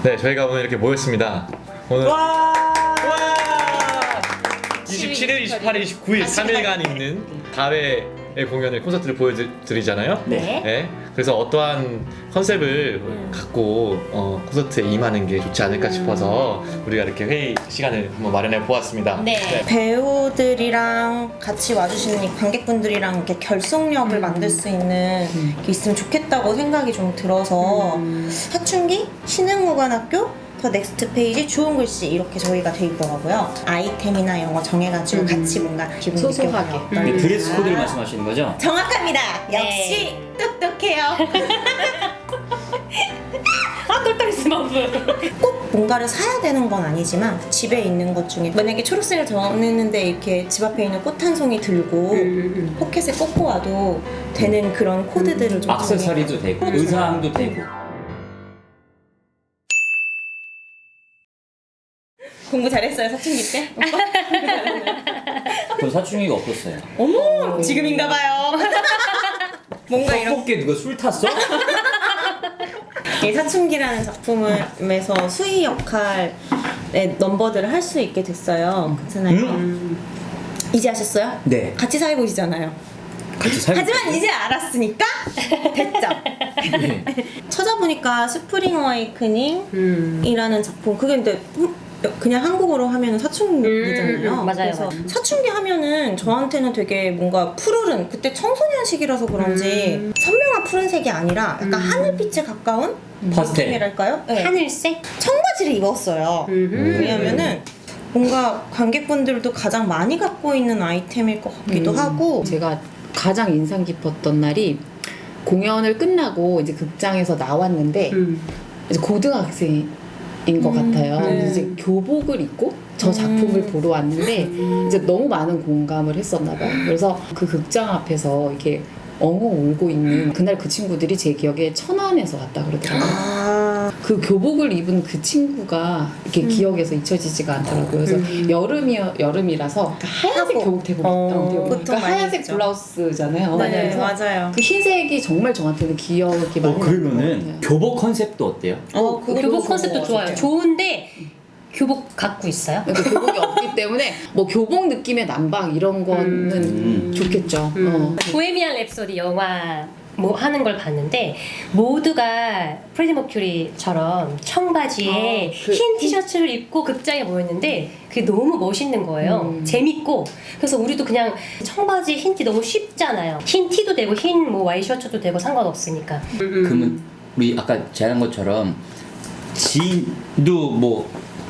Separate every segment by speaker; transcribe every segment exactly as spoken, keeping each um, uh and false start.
Speaker 1: 네, 저희가 오늘 이렇게 모였습니다. 오늘
Speaker 2: 와!
Speaker 1: 이십칠 일, 이십팔 일, 이십구 일 삼 일간 있는 가회의 공연을 콘서트를 보여드리잖아요.
Speaker 2: 네.
Speaker 1: 네. 그래서 어떠한 컨셉을 음. 갖고 어, 콘서트에 임하는 게 좋지 않을까 싶어서 우리가 이렇게 회의 시간을 한번 마련해 보았습니다.
Speaker 3: 네.
Speaker 1: 네.
Speaker 4: 배우들이랑 같이 와주시는 이 관객분들이랑 이렇게 결속력을
Speaker 3: 음.
Speaker 4: 만들 수 있는 게 있으면 좋겠다고 생각이 좀 들어서
Speaker 3: 음.
Speaker 4: 사춘기, 신흥무관학교, 더 넥스트 페이지, 좋은 글씨 이렇게 저희가 돼 있더라고요. 아이템이나 이런 거 정해가지고
Speaker 3: 음.
Speaker 4: 같이 뭔가 기분
Speaker 3: 소소하게.
Speaker 4: 느껴보면
Speaker 2: 네,
Speaker 4: 어떨까.
Speaker 2: 드레스 코드를 말씀하시는 거죠?
Speaker 4: 정확합니다.
Speaker 3: 네.
Speaker 4: 역시 똑똑해요.
Speaker 3: 아, 똘똘이 마법.
Speaker 4: 꼭 뭔가를 사야 되는 건 아니지만 집에 있는 것 중에 만약에 초록색을 정했는데 이렇게 집 앞에 있는 꽃 한 송이 들고
Speaker 3: 음.
Speaker 4: 포켓에 꽂고 와도 되는 그런 코드들을 좀
Speaker 2: 액세서리도 되고 의상도 되고.
Speaker 4: 공부 잘했어요 사춘기 때?
Speaker 2: 전 사춘기가 없었어요.
Speaker 4: 어머 지금인가봐요. 뭔가 이런
Speaker 2: 떡볶이 누가 술 탔어?
Speaker 4: 이 사춘기라는 작품에서 수희 역할의 넘버들을 할 수 있게 됐어요. 그렇잖아요.
Speaker 2: 음?
Speaker 4: 이제 아셨어요?
Speaker 2: 네.
Speaker 4: 같이 살고 계시잖아요.
Speaker 2: 같이 살고.
Speaker 4: 하지만 이제 알았으니까 됐죠.
Speaker 2: 네.
Speaker 4: 찾아보니까 스프링 어웨이크닝이라는
Speaker 3: 음.
Speaker 4: 작품 그게 근데 그냥 한국어로 하면 사춘기잖아요.
Speaker 3: 음, 음, 음, 맞아요,
Speaker 4: 그래서
Speaker 3: 맞아요.
Speaker 4: 사춘기 하면은 저한테는 되게 뭔가 푸르른 그때 청소년 시기라서 그런지
Speaker 3: 음.
Speaker 4: 선명한 푸른색이 아니라 약간
Speaker 3: 음.
Speaker 4: 하늘빛에 가까운
Speaker 2: 파스텔.
Speaker 4: 느낌이랄까요? 네.
Speaker 3: 하늘색?
Speaker 4: 청바지를 입었어요.
Speaker 3: 음.
Speaker 4: 왜냐면은 뭔가 관객분들도 가장 많이 갖고 있는 아이템일 것 같기도
Speaker 5: 음.
Speaker 4: 하고
Speaker 5: 제가 가장 인상 깊었던 날이 공연을 끝나고 이제 극장에서 나왔는데
Speaker 3: 음.
Speaker 5: 이제 고등학생인 것
Speaker 4: 음,
Speaker 5: 같아요.
Speaker 4: 네.
Speaker 5: 근데 이제 교복을 입고 저 작품을
Speaker 4: 음.
Speaker 5: 보러 왔는데 이제 너무 많은 공감을 했었나 봐요. 그래서 그 극장 앞에서 이렇게 엉엉 울고 있는 그날 그 친구들이 제 기억에 천안에서 왔다 그러더라고요.
Speaker 4: 아,
Speaker 5: 그 교복을 입은 그 친구가 이렇게
Speaker 4: 음.
Speaker 5: 기억에서 잊혀지지가 않더라고요. 그래서
Speaker 3: 음.
Speaker 5: 여름이 여름이라서 그 하얀색
Speaker 4: 하고.
Speaker 5: 교복 대복
Speaker 4: 어,
Speaker 5: 입던
Speaker 4: 보통
Speaker 5: 그러니까
Speaker 4: 많이
Speaker 5: 하얀색
Speaker 4: 입죠.
Speaker 5: 블라우스잖아요.
Speaker 4: 네,
Speaker 5: 그래서
Speaker 4: 맞아요.
Speaker 5: 그 흰색이 정말 저한테는 기억이 많이
Speaker 2: 어, 그러면은
Speaker 5: 남는 것 같아요.
Speaker 2: 교복 컨셉도 어때요?
Speaker 4: 어, 그거 너무
Speaker 3: 교복 컨셉도
Speaker 4: 좋은 것
Speaker 3: 좋아요.
Speaker 4: 같아요.
Speaker 3: 좋은데 교복 갖고 있어요?
Speaker 5: 그러니까 교복이 없기 때문에 뭐 교복 느낌의 남방 이런 거는
Speaker 2: 음.
Speaker 5: 좋겠죠.
Speaker 3: 음.
Speaker 5: 어.
Speaker 3: 보헤미안 랩소디 영화 뭐 하는 걸 봤는데 모두가 프레디 머큐리처럼 청바지에
Speaker 5: 아, 그
Speaker 3: 흰 티셔츠를 입고 극장에 모였는데 그게 너무 멋있는 거예요.
Speaker 5: 음.
Speaker 3: 재밌고 그래서 우리도 그냥 청바지 흰 티 너무 쉽잖아요. 흰 티도 되고 흰 뭐 와이셔츠도 되고 상관없으니까.
Speaker 2: 그러면 우리 아까 제안한 것처럼 지인도 뭐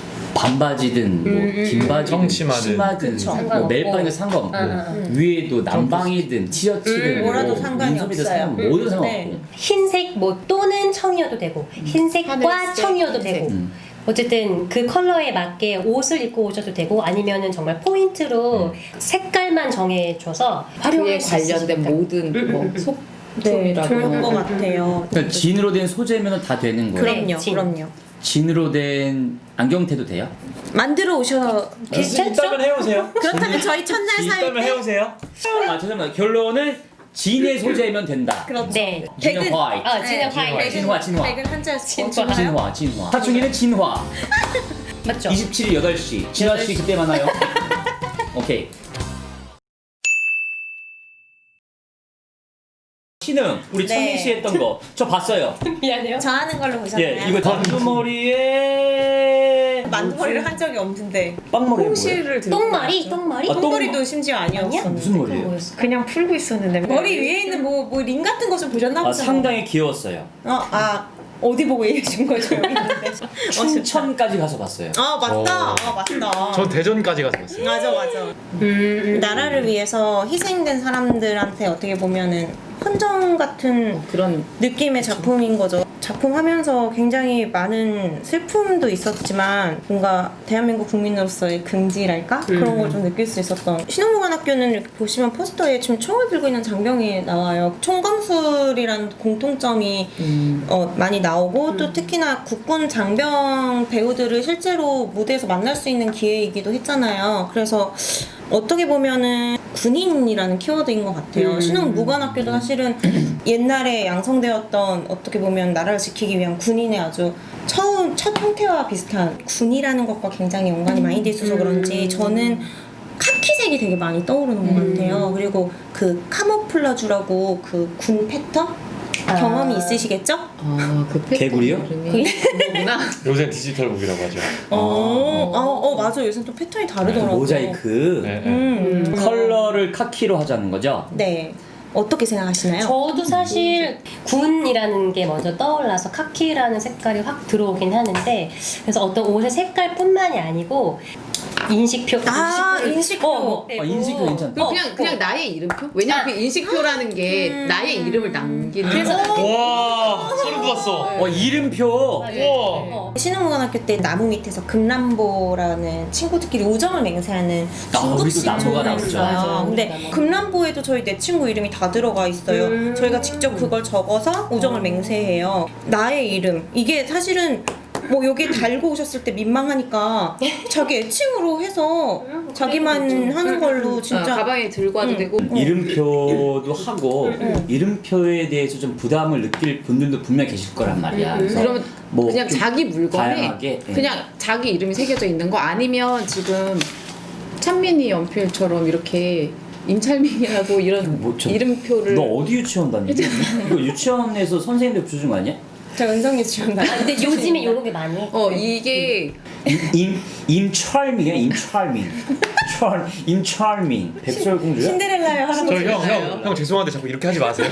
Speaker 2: 반바지든 뭐
Speaker 3: 음, 음,
Speaker 2: 긴바지든
Speaker 1: 청치마든.
Speaker 2: 치마든
Speaker 4: 그쵸.
Speaker 2: 뭐
Speaker 3: 상관없고.
Speaker 2: 멜빵이든 상관없고
Speaker 3: 음, 음,
Speaker 2: 위에도 남방이든 티셔츠든
Speaker 3: 음,
Speaker 4: 뭐라도
Speaker 2: 뭐
Speaker 4: 상관이
Speaker 2: 민소매든
Speaker 4: 없어요.
Speaker 2: 상관 뭐든 상관없고
Speaker 4: 네.
Speaker 3: 흰색 뭐 또는 청이어도 되고 흰색과
Speaker 5: 하늘색,
Speaker 3: 청이어도
Speaker 5: 흰색.
Speaker 3: 되고
Speaker 2: 음.
Speaker 3: 어쨌든 그 컬러에 맞게 옷을 입고 오셔도 되고 아니면은 정말 포인트로 색깔만 정해줘서
Speaker 5: 그에
Speaker 3: 활용할 수
Speaker 5: 관련된
Speaker 3: 있으니까.
Speaker 5: 모든
Speaker 3: 음,
Speaker 5: 뭐
Speaker 3: 음, 음.
Speaker 4: 네,
Speaker 5: 소품이라고
Speaker 4: 좋을 것 같아요.
Speaker 2: 그러니까 진으로 된 소재면 다 되는 거예요.
Speaker 3: 그래.
Speaker 4: 그럼요,
Speaker 3: 진.
Speaker 4: 그럼요.
Speaker 2: 진으로 된 안경테도 돼요?
Speaker 4: 만들어 오셔.
Speaker 3: 괜찮죠?
Speaker 6: 있다면 해오세요.
Speaker 4: 그렇다면 저희 첫날 살
Speaker 6: 있다면
Speaker 4: 때
Speaker 6: 해오세요.
Speaker 2: 아 죄송합니다. 결론은 진의 소재면 된다.
Speaker 4: 그렇죠.
Speaker 3: 네.
Speaker 2: 진화
Speaker 4: 백은-
Speaker 2: 화이트.
Speaker 3: 아, 진화 화이트.
Speaker 2: 진화, 진화.
Speaker 4: 백은 한자였어.
Speaker 3: 진화.
Speaker 2: 진화, 진화. 사춘기는 진화.
Speaker 3: 맞죠?
Speaker 2: 이십칠 일 여덟 시. 진화 씨 그때 만나요. 오케이. 신흥 우리
Speaker 4: 네.
Speaker 2: 청민 씨 했던 거 저 봤어요.
Speaker 3: 미안해요.
Speaker 4: 저 하는 걸로 보셨나요?
Speaker 2: 예, 이거 단두머리에
Speaker 4: 만두머리를 한 적이 없는데
Speaker 6: 빵머리 뭐예요?
Speaker 5: 홍시를 들고
Speaker 3: 똥마리?
Speaker 5: 나왔죠.
Speaker 3: 똥마리?
Speaker 2: 아, 똥-
Speaker 4: 똥머리도 심지어 아니었었는데
Speaker 2: 무슨 머리예요?
Speaker 3: 뭐였어?
Speaker 4: 그냥 풀고 있었는데 머리 위에 있는 뭐 뭐 링 같은 거 좀 보셨나
Speaker 2: 아,
Speaker 4: 보죠?
Speaker 2: 상당히 귀여웠어요.
Speaker 4: 어, 아 어디 보고 얘기해 준 거죠? 여기 있는데.
Speaker 2: 춘천까지 가서 봤어요.
Speaker 4: 아 맞다.
Speaker 1: 어.
Speaker 4: 아 맞다.
Speaker 1: 저 대전까지 가서 봤어요.
Speaker 4: 맞아 맞아.
Speaker 3: 음,
Speaker 4: 나라를 위해서 희생된 사람들한테 어떻게 보면은 헌정 같은
Speaker 5: 그런
Speaker 4: 느낌의 작품인 거죠. 작품 하면서 굉장히 많은 슬픔도 있었지만 뭔가 대한민국 국민으로서의 긍지랄까? 그런 걸 좀 느낄 수 있었던 신흥무관학교는 이렇게 보시면 포스터에 지금 총을 들고 있는 장병이 나와요. 총검술이라는 공통점이
Speaker 5: 음,
Speaker 4: 어, 많이 나오고 또 특히나 국군 장병 배우들을 실제로 무대에서 만날 수 있는 기회이기도 했잖아요. 그래서 어떻게 보면은 군인이라는 키워드인 것 같아요.
Speaker 5: 음.
Speaker 4: 신흥무관학교도 사실은 옛날에 양성되었던 어떻게 보면 나라를 지키기 위한 군인의 아주 처음 첫 형태와 비슷한 군이라는 것과 굉장히 연관이 많이 돼 있어서 그런지 저는 카키색이 되게 많이 떠오르는 것
Speaker 5: 음.
Speaker 4: 같아요. 그리고 그 카모플라주라고 그 군 패턴
Speaker 3: 아.
Speaker 4: 경험이 있으시겠죠?
Speaker 5: 아그
Speaker 2: 개구리요?
Speaker 5: 그거구나.
Speaker 1: 요새 디지털 북이라고 하죠.
Speaker 4: 어, 어, 어 맞아. 요새 또 패턴이 다르더라고요.
Speaker 2: 모자이크
Speaker 1: 네, 네.
Speaker 4: 음.
Speaker 2: 컬러를 카키로 하자는 거죠?
Speaker 4: 네. 어떻게 생각하시나요?
Speaker 3: 저도 사실 군이라는 게 먼저 떠올라서 카키라는 색깔이 확 들어오긴 하는데 그래서 어떤 옷의 색깔뿐만이 아니고 인식표,
Speaker 4: 아,
Speaker 3: 인식표를-
Speaker 4: 인식표.
Speaker 3: 어, 뭐,
Speaker 2: 아, 인식표
Speaker 3: 뭐,
Speaker 2: 괜찮다.
Speaker 3: 어,
Speaker 5: 그냥
Speaker 3: 어.
Speaker 5: 그냥 나의 이름표? 왜냐면
Speaker 3: 아.
Speaker 5: 그 인식표라는 게
Speaker 4: 음.
Speaker 5: 나의 이름을 남기는.
Speaker 3: 그래서
Speaker 1: 와 소름 돋았어.
Speaker 2: 어 이름표.
Speaker 3: 맞아요.
Speaker 1: 우와.
Speaker 3: 어.
Speaker 4: 신흥무관학교 때 나무 밑에서 금람보라는 친구들끼리 우정을 맹세하는
Speaker 2: 아,
Speaker 4: 중국식
Speaker 2: 우리도 나무가
Speaker 4: 조각이
Speaker 2: 나오죠.
Speaker 4: 있어요.
Speaker 3: 맞아요.
Speaker 4: 근데
Speaker 3: 나무.
Speaker 4: 금람보에도 저희 내 친구 이름이 다 들어가 있어요.
Speaker 3: 음.
Speaker 4: 저희가 직접 그걸 적어서 우정을
Speaker 3: 어.
Speaker 4: 맹세해요. 나의 이름. 이게 사실은 뭐 여기 달고 오셨을 때 민망하니까 자기 애칭으로 해서
Speaker 3: 음,
Speaker 4: 자기만
Speaker 3: 그래도
Speaker 4: 하는 걸로
Speaker 5: 아,
Speaker 4: 진짜
Speaker 5: 가방에 들고 와도
Speaker 4: 음.
Speaker 5: 되고.
Speaker 2: 이름표도 하고
Speaker 4: 음.
Speaker 2: 이름표에 대해서 좀 부담을 느낄 분들도 분명 계실 거란 말이야.
Speaker 3: 음.
Speaker 2: 그래서
Speaker 5: 그러면
Speaker 2: 뭐
Speaker 5: 그냥
Speaker 2: 좀
Speaker 5: 자기 물건에
Speaker 2: 다양하게, 예.
Speaker 5: 그냥 자기 이름이 새겨져 있는 거 아니면 지금 찬민이 연필처럼 이렇게 임찰민이라고 이런
Speaker 2: 뭐 좀-
Speaker 5: 이름표를
Speaker 2: 너 어디 유치원 다니지? 이거 유치원에서 선생님들 붙여준 거 아니야?
Speaker 4: 저 은성이 지금 나.
Speaker 3: 아, 근데 요즘에 이런 게 많이
Speaker 5: 어 이게
Speaker 2: 임 임철민이야 임철민. 철 임철민. 백설공주야?
Speaker 4: 신데렐라의 할아버지.
Speaker 1: 저 형 형 형 죄송한데 자꾸 이렇게 하지 마세요.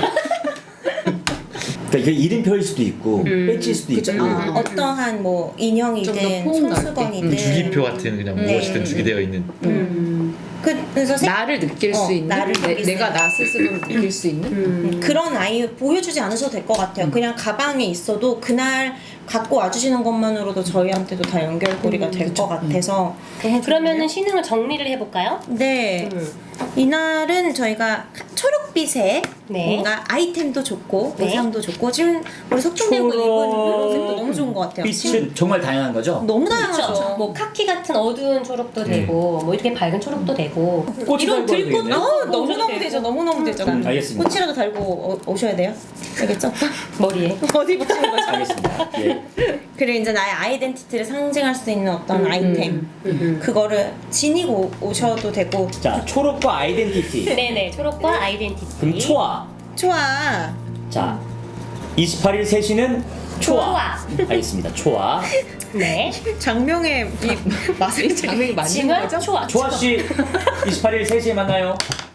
Speaker 2: 그러니까 이게 이름표일 수도 있고 배지일 수도
Speaker 5: 그쵸.
Speaker 2: 있고.
Speaker 5: 아.
Speaker 4: 어떠한 뭐
Speaker 5: 좀더
Speaker 4: 인형이든
Speaker 5: 포옹 넓게.
Speaker 4: 손수건이든
Speaker 1: 음, 주기표 같은 그냥
Speaker 4: 네.
Speaker 1: 무엇이든 주기되어 있는.
Speaker 3: 음.
Speaker 4: 그, 그래서 색-
Speaker 5: 나를 느낄
Speaker 4: 어,
Speaker 5: 수 있는
Speaker 4: 나를
Speaker 5: 내,
Speaker 4: 느낄 수
Speaker 5: 내가
Speaker 4: 있는.
Speaker 5: 나 스스로를 느낄 수 있는
Speaker 3: 음.
Speaker 4: 그런 아이 보여주지 않으셔도 될 것 같아요. 그냥 가방에 있어도 그날 갖고 와주시는 것만으로도 저희한테도 다 연결고리가 될 것 같아서 너무
Speaker 3: 그러면은 신흥을 정리를 해볼까요?
Speaker 4: 네
Speaker 3: 음.
Speaker 4: 이날은 저희가 초록빛의
Speaker 3: 네.
Speaker 4: 뭔가 아이템도 좋고
Speaker 3: 네.
Speaker 4: 의상도 좋고 지금 우리 석중대고 입은 이런 색도 너무 좋은 것 같아요.
Speaker 2: 빛은 정말 다양한 거죠?
Speaker 4: 너무 다양하죠.
Speaker 3: 그렇죠. 뭐 카키 같은 어두운 초록도 되고 뭐 이렇게 밝은 초록도 되고
Speaker 2: 꽃이
Speaker 3: 이런
Speaker 2: 달고
Speaker 3: 들꽃
Speaker 2: 되겠네.
Speaker 4: 어,
Speaker 3: 도
Speaker 4: 너무너무 되죠. 너무너무 되죠.
Speaker 2: 음, 알겠습니다.
Speaker 4: 꽃이라도 달고 오- 오셔야 돼요. 알겠죠?
Speaker 3: 머리에
Speaker 4: 어디 붙이는 거죠?
Speaker 2: 알겠습니다. 예.
Speaker 4: 그리고 이제 나의 아이덴티티를 상징할 수 있는 어떤
Speaker 3: 음,
Speaker 4: 아이템
Speaker 3: 음.
Speaker 4: 그거를 지니고 오셔도 되고
Speaker 2: 자 초록과 아이덴티티.
Speaker 3: 네네 초록과 아이덴티티
Speaker 2: 그럼 초아.
Speaker 4: 좋아.
Speaker 2: 자 이십팔 일 세 시는 초아. 알겠습니다. 초아.
Speaker 3: 네
Speaker 4: 장명의 이 맛을
Speaker 5: 장면이 맞는
Speaker 3: 징은
Speaker 5: 거죠?
Speaker 3: 초아
Speaker 2: 초아 씨 이십팔 일 세 시에 만나요.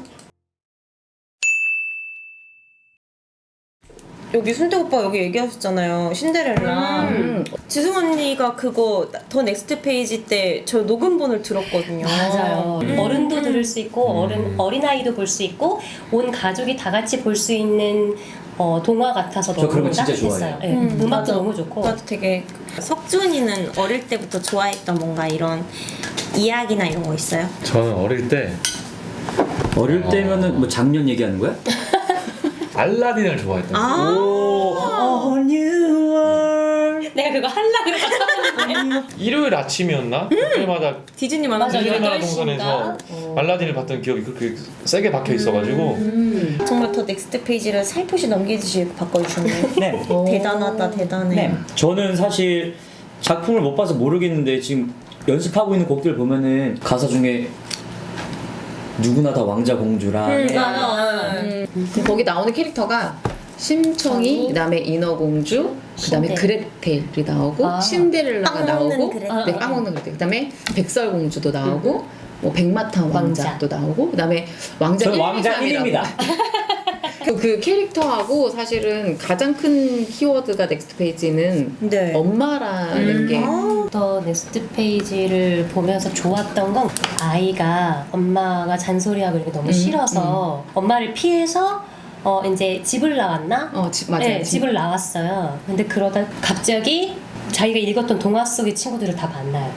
Speaker 4: 여기 순대 오빠 여기 얘기하셨잖아요. 신데렐라.
Speaker 5: 음.
Speaker 4: 지승 언니가 그거 더 넥스트 페이지 때 저 녹음본을 들었거든요.
Speaker 3: 맞아요.
Speaker 4: 음.
Speaker 3: 어른도 들을 수 있고 어른 어린아이도 볼 수 있고 온 가족이 다 같이 볼 수 있는 어, 동화 같아서
Speaker 2: 저 그런
Speaker 3: 너무
Speaker 2: 거 진짜
Speaker 3: 따뜻했어요.
Speaker 2: 좋아해요.
Speaker 3: 네,
Speaker 4: 음,
Speaker 3: 음악도
Speaker 4: 맞아.
Speaker 3: 너무 좋고
Speaker 4: 나도 되게 석준이는 어릴 때부터 좋아했던 뭔가 이런 이야기나 이런 거 있어요?
Speaker 1: 저는 어릴 때
Speaker 2: 어릴 때면은 뭐 작년 얘기하는 거야?
Speaker 1: 알라딘을 좋아했던.
Speaker 4: 아.
Speaker 2: 오. A new world.
Speaker 3: 내가 그거 하려고 그랬었는데
Speaker 1: 일요일 아침이었나? 그때마다
Speaker 4: 디즈니
Speaker 3: 맞아,
Speaker 4: 만화
Speaker 3: 여덟
Speaker 1: 우리나라
Speaker 3: 시인가?
Speaker 1: 동산에서
Speaker 3: 어.
Speaker 1: 알라딘을 봤던 기억이 그렇게 세게 박혀 있어가지고
Speaker 5: 음.
Speaker 4: 정말 더 넥스트 페이지를 살포시 넘기듯이 바꿔주셨네요.
Speaker 2: 네.
Speaker 4: 대단하다, 대단해.
Speaker 2: 네. 저는 사실 작품을 못 봐서 모르겠는데 지금 연습하고 있는 곡들 보면은 가사 중에 누구나 다 왕자 공주랑
Speaker 4: 음,
Speaker 2: 해.
Speaker 4: 맞아.
Speaker 5: 음. 거기 나오는 캐릭터가 심청이, 그다음에 인어공주, 그다음에
Speaker 3: 신데렐라.
Speaker 5: 그레텔이 나오고
Speaker 3: 아.
Speaker 5: 신데렐라가
Speaker 4: 빵 먹는
Speaker 5: 나오고,
Speaker 4: 그레텔.
Speaker 5: 네, 빵 먹는 그레텔. 그다음에 백설공주도 나오고, 뭐 백마탄
Speaker 3: 왕자.
Speaker 5: 왕자도 나오고, 그다음에 왕자
Speaker 2: 저는
Speaker 5: 일,
Speaker 2: 왕자
Speaker 5: 이, 삼이라고.
Speaker 2: 일입니다.
Speaker 5: 그, 그 캐릭터하고 사실은 가장 큰 키워드가 넥스트 페이지는
Speaker 4: 네.
Speaker 5: 엄마라는 게
Speaker 4: 아,
Speaker 3: 더 넥스트 페이지를 보면서 좋았던 건 아이가 엄마가 잔소리하고 이렇게 너무
Speaker 5: 음,
Speaker 3: 싫어서 엄마를 피해서 어 이제 집을 나왔나?
Speaker 5: 어, 집, 맞아요.
Speaker 3: 네, 집을 나왔어요. 근데 그러다 갑자기 자기가 읽었던 동화 속의 친구들을 다 만나요.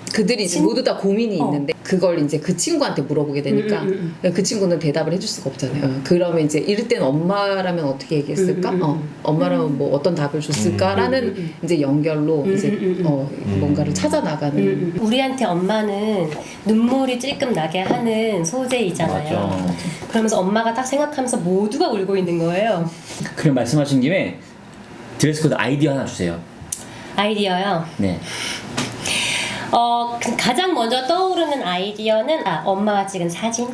Speaker 5: 그들이 이제
Speaker 3: 진-
Speaker 5: 모두 다 고민이
Speaker 3: 어.
Speaker 5: 있는데 그걸 이제 그 친구한테 물어보게 되니까
Speaker 3: 음, 음,
Speaker 5: 그 친구는 대답을 해줄 수가 없잖아요. 어, 그러면 이제 이럴 땐 엄마라면 어떻게 얘기했을까?
Speaker 3: 음, 음, 음.
Speaker 5: 어, 엄마라면 뭐 어떤 답을 줬을까라는
Speaker 3: 음, 음, 음.
Speaker 5: 이제 연결로
Speaker 3: 음,
Speaker 5: 이제
Speaker 3: 음, 음, 음.
Speaker 5: 어,
Speaker 1: 음.
Speaker 5: 뭔가를 찾아 나가는.
Speaker 3: 음, 음. 우리한테 엄마는 눈물이 찔끔 나게 하는 소재이잖아요.
Speaker 2: 맞아.
Speaker 3: 그러면서 엄마가 딱 생각하면서 모두가 울고 있는 거예요.
Speaker 2: 그럼 말씀하신 김에 드레스 코드 아이디어 하나 주세요.
Speaker 3: 아이디어요.
Speaker 2: 네.
Speaker 3: 어, 그 가장 먼저 떠오르는 아이디어는 아, 엄마가 찍은 사진.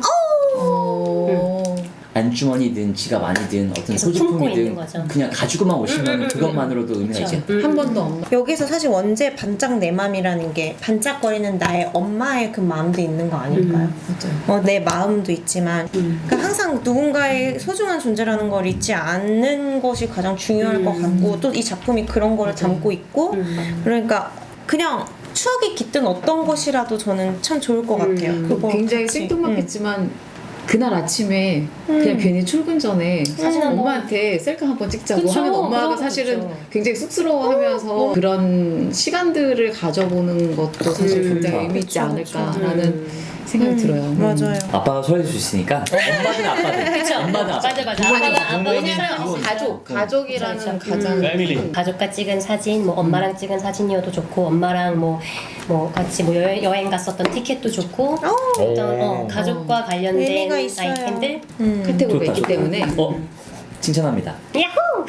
Speaker 5: 어.
Speaker 2: 안주머니든 지갑 안이든 어떤
Speaker 3: 계속 품고 있는
Speaker 2: 소지품이든
Speaker 3: 거죠.
Speaker 2: 그냥 가지고만 오시면
Speaker 3: 음, 음, 음,
Speaker 2: 그것만으로도 의미가
Speaker 3: 그쵸.
Speaker 2: 있죠.
Speaker 3: 음,
Speaker 5: 한
Speaker 3: 음,
Speaker 5: 번도
Speaker 3: 음.
Speaker 5: 엄마.
Speaker 4: 여기서 사실 원제 반짝 내 맘이라는 게 반짝거리는 나의 엄마의 그 마음도 있는 거 아닐까요?
Speaker 5: 맞아요.
Speaker 4: 어, 내 마음도 있지만
Speaker 3: 음.
Speaker 4: 그러니까 항상 누군가의 소중한 존재라는 걸 잊지 않는 것이 가장 중요할
Speaker 3: 음.
Speaker 4: 것 같고 또 이 작품이 그런 거를 담고 있고
Speaker 3: 음.
Speaker 4: 그러니까 그냥 추억이 깃든 어떤 것이라도 저는 참 좋을 것
Speaker 3: 음.
Speaker 4: 같아요. 그거
Speaker 5: 굉장히
Speaker 4: 같이.
Speaker 5: 생뚱맞겠지만 그날 아침에 그냥 괜히 출근 전에
Speaker 3: 사진 한번.
Speaker 5: 엄마한테 셀카 한번 찍자고
Speaker 3: 그쵸,
Speaker 5: 하면 엄마가
Speaker 3: 그런 거
Speaker 5: 사실은
Speaker 3: 있죠.
Speaker 5: 굉장히 쑥스러워하면서 그런 시간들을 가져보는 것도 사실
Speaker 3: 음.
Speaker 5: 굉장히
Speaker 2: 그쵸.
Speaker 5: 의미 있지
Speaker 4: 그쵸,
Speaker 5: 않을까라는
Speaker 3: 음.
Speaker 5: 생각이
Speaker 4: 음,
Speaker 5: 들어요. 음.
Speaker 4: 맞아요.
Speaker 2: 아빠가 소화해줄 수 있으니까 엄마든 아빠든
Speaker 3: 그쵸.
Speaker 2: 엄마든 아빠
Speaker 3: 맞아, 맞아.
Speaker 2: 부모님,
Speaker 3: 아빠가- 아빠는
Speaker 2: 부모님,
Speaker 3: 사랑할 수
Speaker 2: 부모님.
Speaker 3: 있어요.
Speaker 5: 가족, 가족이라는
Speaker 3: 그쵸, 그쵸.
Speaker 5: 가장
Speaker 3: 음.
Speaker 1: 패밀리.
Speaker 5: 큰-
Speaker 3: 가족과 찍은 사진, 뭐 엄마랑 찍은 사진이어도 좋고, 엄마랑 뭐, 뭐 같이 뭐 여행, 여행 갔었던 티켓도 좋고, 어떤 어, 가족과 관련된
Speaker 4: 의미가 있어요.
Speaker 3: 아이템들.
Speaker 4: 음.
Speaker 5: 카테고리가
Speaker 2: 좋다,
Speaker 5: 있기
Speaker 2: 좋다.
Speaker 5: 때문에
Speaker 2: 어 칭찬합니다.
Speaker 3: 야호!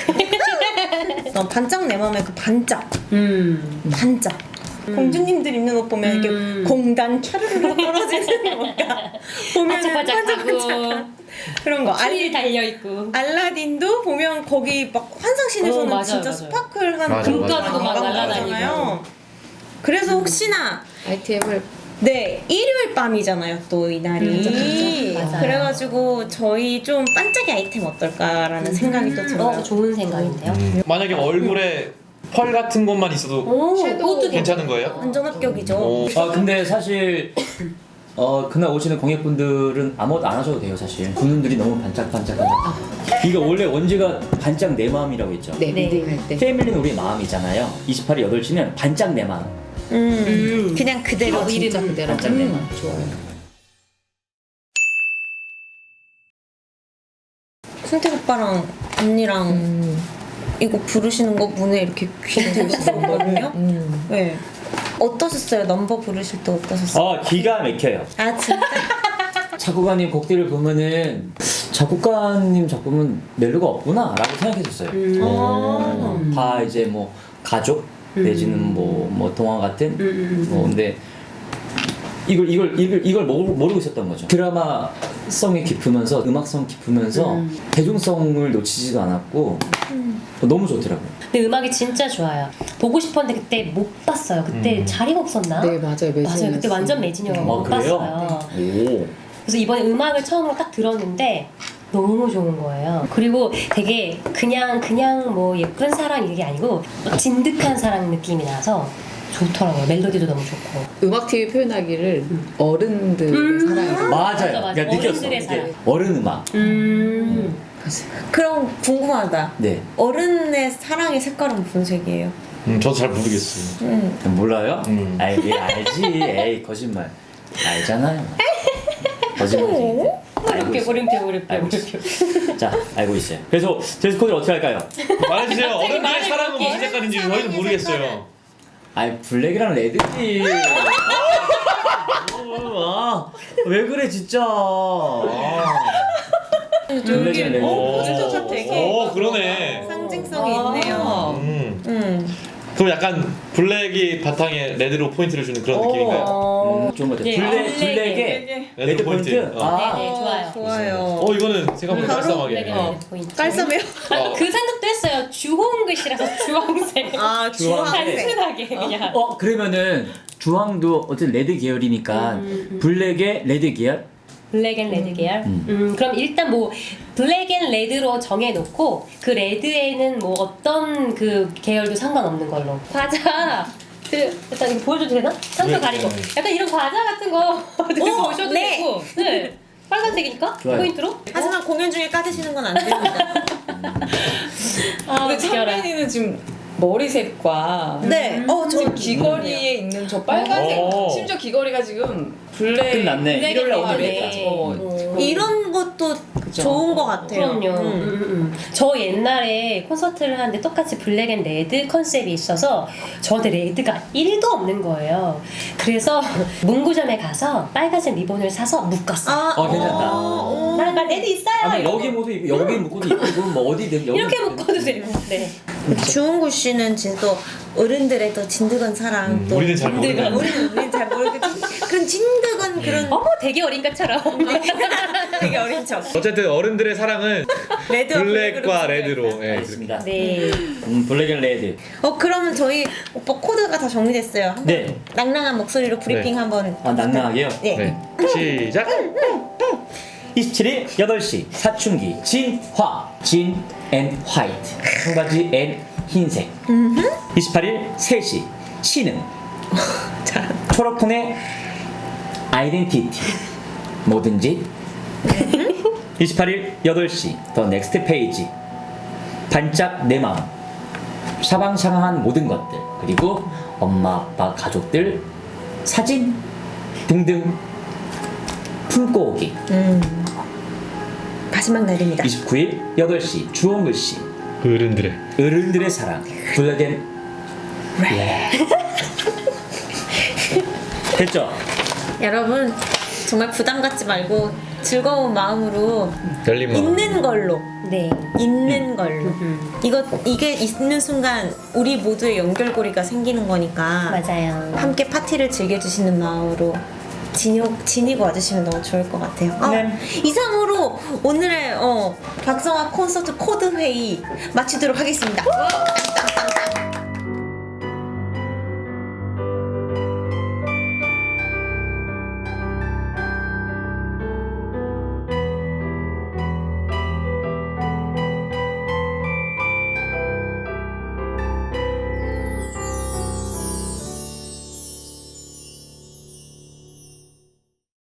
Speaker 4: 난 반짝 내 맘에 그 반짝
Speaker 3: 음.
Speaker 4: 반짝 공주님들 입는 옷 보면
Speaker 3: 음.
Speaker 4: 이렇게 공단 차르르 떨어지는 뭔가 보면
Speaker 3: 반짝반짝하고,
Speaker 4: 그런 거
Speaker 3: 추리
Speaker 4: 알리,
Speaker 3: 달려있고.
Speaker 4: 알라딘도 보면 거기 막 환상신에서는
Speaker 3: 어, 맞아요,
Speaker 4: 진짜
Speaker 3: 맞아요.
Speaker 4: 스파클한
Speaker 1: 맞아,
Speaker 4: 그런
Speaker 1: 맞아.
Speaker 4: 거
Speaker 3: 막
Speaker 4: 날아다니잖아요.
Speaker 3: 날아다니고.
Speaker 4: 그래서 혹시나
Speaker 5: 아이템을
Speaker 4: 네 일요일 밤이잖아요 또 이날이
Speaker 3: 음, 맞아요.
Speaker 4: 그래가지고 저희 좀 반짝이 아이템 어떨까라는 생각이 또 들어요.
Speaker 3: 어, 좋은 생각인데요.
Speaker 1: 음. 만약에 얼굴에 펄 같은 것만 있어도
Speaker 3: 오,
Speaker 5: 섀도우
Speaker 3: 그것도
Speaker 1: 괜찮은 거예요?
Speaker 4: 완전 합격이죠.
Speaker 1: 오.
Speaker 2: 아 근데 사실 어 그날 오시는 고객분들은 아무것도 안 하셔도 돼요 사실. 분들이 너무 반짝반짝반짝. 이거 원래 원제가 반짝 내 마음이라고 했죠.
Speaker 5: 네,
Speaker 3: 네.
Speaker 5: 리딩할 때
Speaker 2: 패밀리는 우리의 마음이잖아요. 이십팔 일 여덟 시는 반짝 내 마음.
Speaker 4: 음,
Speaker 3: 음.
Speaker 4: 그냥 그대로
Speaker 5: 아, 진짜
Speaker 3: 이름
Speaker 5: 그대로
Speaker 2: 반짝 내
Speaker 5: 음,
Speaker 2: 마음.
Speaker 5: 좋아요.
Speaker 4: 승택 오빠랑 언니랑
Speaker 5: 음,
Speaker 4: 이거 부르시는 거 문에 이렇게 귀에 대셨거든요.
Speaker 5: 음.
Speaker 4: 네. 어떠셨어요? 넘버 부르실 때 어떠셨어요?
Speaker 2: 어 기가 막혀요.
Speaker 4: 아 진짜?
Speaker 2: 작곡가님 곡들을 보면은 작곡가님 작품은 멜로가 없구나라고 생각했었어요.
Speaker 3: 음.
Speaker 2: 어, 다 이제 뭐 가족 내지는 뭐, 뭐 동화 같은
Speaker 3: 음, 음,
Speaker 2: 뭐 근데 이걸 이걸 이걸 이걸 모르, 모르고 있었던 거죠. 드라마성이 깊으면서 음악성 깊으면서
Speaker 3: 음.
Speaker 2: 대중성을 놓치지도 않았고 너무 좋더라고요.
Speaker 3: 근데 음악이 진짜 좋아요. 보고 싶었는데 그때 못 봤어요. 그때
Speaker 1: 음.
Speaker 3: 자리가 없었나?
Speaker 5: 네 맞아요.
Speaker 3: 맞아요.
Speaker 5: 매진이었어요.
Speaker 3: 그때 완전 매진이어서
Speaker 2: 아,
Speaker 3: 못
Speaker 2: 그래요?
Speaker 3: 봤어요.
Speaker 2: 오.
Speaker 3: 그래서 이번에 음악을 처음으로 딱 들었는데 너무 좋은 거예요. 그리고 되게 그냥 그냥 뭐 예쁜 사랑 이게 아니고 진득한 사랑 느낌이 나서 좋더라고요. 멜로디도 너무 좋고.
Speaker 5: 음악 티비 표현하기를 어른들의
Speaker 3: 음.
Speaker 5: 사랑이라고.
Speaker 2: 맞아요.
Speaker 3: 맞아, 맞아.
Speaker 2: 그러니까 느꼈어.
Speaker 3: 어른들의
Speaker 2: 이게
Speaker 3: 사랑.
Speaker 2: 어른 음악.
Speaker 3: 음.
Speaker 4: 그럼 궁금하다.
Speaker 2: 네.
Speaker 4: 어른의 사랑의 색깔은 무슨 색이에요?
Speaker 1: 음, 저도 잘 모르겠어요.
Speaker 4: 음.
Speaker 2: 몰라요?
Speaker 1: 음.
Speaker 2: 아이 예, 알지. 에이 거짓말. 알잖아요. 거짓말쟁이.
Speaker 3: 어렵게 어렵게 어렵게
Speaker 2: 알고
Speaker 3: 어렵게.
Speaker 2: 자 알고 있어요. 그래서 드레스 코드를 어떻게 할까요?
Speaker 1: 말해주세요.
Speaker 3: 갑자기
Speaker 1: 어른들의
Speaker 3: 말을
Speaker 1: 사랑은
Speaker 3: 그렇게
Speaker 1: 무슨 색깔인지
Speaker 4: 사랑의
Speaker 1: 저희는 모르겠어요.
Speaker 2: 아이 블랙이랑 레드지. 아, 왜 그래 진짜. 아. 블랙이랑 레드.
Speaker 1: 오,
Speaker 4: 포스터가 되게
Speaker 1: 오, 그러네.
Speaker 4: 상징성이
Speaker 3: 아.
Speaker 4: 있네요.
Speaker 1: 음.
Speaker 4: 음.
Speaker 1: 그럼 약간 블랙이 바탕에 레드로 포인트를 주는 그런 느낌인가요?
Speaker 3: 어.
Speaker 2: 음, 좋은 것 같아요.
Speaker 3: 네,
Speaker 2: 블랙,
Speaker 3: 블랙에.
Speaker 2: 블랙에 레드 포인트.
Speaker 1: 어.
Speaker 2: 아,
Speaker 3: 네, 좋아요.
Speaker 4: 좋아요.
Speaker 1: 어 이거는 생각보다
Speaker 4: 바로
Speaker 1: 깔쌈하게.
Speaker 3: 블랙에
Speaker 1: 어.
Speaker 3: 레드 포인트.
Speaker 4: 깔쌈해요?
Speaker 3: 아, 그 생각도 했어요. 주홍 글씨라서 주황색.
Speaker 4: 아
Speaker 2: 주황색.
Speaker 3: 단순하게 그냥.
Speaker 2: 어 그러면은 주황도 어쨌든 레드 계열이니까
Speaker 3: 음, 음.
Speaker 2: 블랙에 레드 계열.
Speaker 3: 블랙 앤 레드 계열.
Speaker 2: 음.
Speaker 3: 음. 그럼 일단 뭐 블랙 앤 레드로 정해놓고 그 레드에는 뭐 어떤 그 계열도 상관없는 걸로. 과자. 그 일단 이거 보여줘도 되나? 상표
Speaker 1: 네,
Speaker 3: 가리고.
Speaker 1: 네.
Speaker 3: 약간 이런 과자 같은 거 들고
Speaker 4: 어,
Speaker 3: 오셔도
Speaker 4: 네.
Speaker 3: 되고. 네. 빨간색이니까
Speaker 2: 좋아요.
Speaker 3: 포인트로.
Speaker 4: 하지만 공연 중에 까드시는 건 안 됩니다.
Speaker 3: 아,
Speaker 5: 근데
Speaker 3: 웃겨라.
Speaker 5: 창빈이는 지금 머리색과
Speaker 4: 네. 어, 저
Speaker 5: 지금 귀걸이에 있는 저 빨간색
Speaker 1: 오.
Speaker 5: 심지어 귀걸이가 지금 블랙
Speaker 2: 끝났네.
Speaker 5: 블랙
Speaker 2: 일요일 날 오늘
Speaker 5: 네.
Speaker 2: 냈다.
Speaker 5: 어,
Speaker 3: 음.
Speaker 4: 이런 것도 좋은 것 같아요.
Speaker 3: 그럼요.
Speaker 4: 음.
Speaker 3: 음, 음, 음. 저 옛날에 콘서트를 하는데 똑같이 블랙 앤 레드 컨셉이 있어서 저한테 레드가 일도 없는 거예요. 그래서 문구점에 가서 빨간색 리본을 사서 묶었어요.
Speaker 4: 아,
Speaker 2: 어, 괜찮다.
Speaker 4: 어,
Speaker 3: 나, 나 레드 있어요.
Speaker 2: 아니
Speaker 3: 이러고.
Speaker 2: 여기 모두 있고 여기 묶어도 있고 뭐 어디든 여기
Speaker 3: 이렇게 묶어도 돼요. 네.
Speaker 4: 주홍구 씨는 진짜 또 어른들의 또 진드건 사랑
Speaker 1: 음,
Speaker 4: 또
Speaker 1: 우리는 잘
Speaker 3: 모르는.
Speaker 4: 우리는 우리는 잘 모르겠지만 그런 진드건 그런
Speaker 3: 어머 되게 어린 것처럼.
Speaker 4: 되게 어린 척
Speaker 1: 어쨌든 어른들의 사랑은
Speaker 4: 레드와
Speaker 1: 블랙과
Speaker 4: 블랙으로
Speaker 1: 레드로. 예,
Speaker 2: 알겠습니다.
Speaker 3: 네.
Speaker 2: 음, 블랙 앤 레드.
Speaker 4: 어 그러면 저희 오빠 코드가 다 정리됐어요. 한번
Speaker 2: 네.
Speaker 4: 낭낭한 목소리로 브리핑
Speaker 1: 네.
Speaker 4: 한번.
Speaker 2: 아 낭낭하게요.
Speaker 4: 네.
Speaker 1: 네. 시작.
Speaker 2: 이십칠 일 여덟 시 사춘기 진화 진 앤 화이트 청바지 앤 흰색. 이십팔 일 세 시 신음 초록톤의 아이덴티티 뭐든지. 이십팔 일 여덟 시 더 넥스트 페이지 반짝 내 마음 샤방샤방한 모든 것들 그리고 엄마 아빠 가족들 사진 등등 품고 오기.
Speaker 4: 음. 마지막 날입니다.
Speaker 2: 이십구 일 여덟 시 주홍글씨
Speaker 1: 어른들의.
Speaker 2: 어른들의 사랑 블랙 앤 레드. 됐죠?
Speaker 4: 여러분 정말 부담 갖지 말고 즐거운 마음으로
Speaker 1: 열린 마음.
Speaker 4: 있는 걸로
Speaker 3: 네.
Speaker 4: 있는 걸로
Speaker 3: 음.
Speaker 4: 이거 이게 있는 순간 우리 모두의 연결고리가 생기는 거니까
Speaker 3: 맞아요.
Speaker 4: 함께 파티를 즐겨주시는 마음으로 지니고, 지니고 와주시면 너무 좋을 것 같아요. 아,
Speaker 2: 네.
Speaker 4: 이상으로 오늘의 어, 박성화 콘서트 코드 회의 마치도록 하겠습니다. 땅땅땅.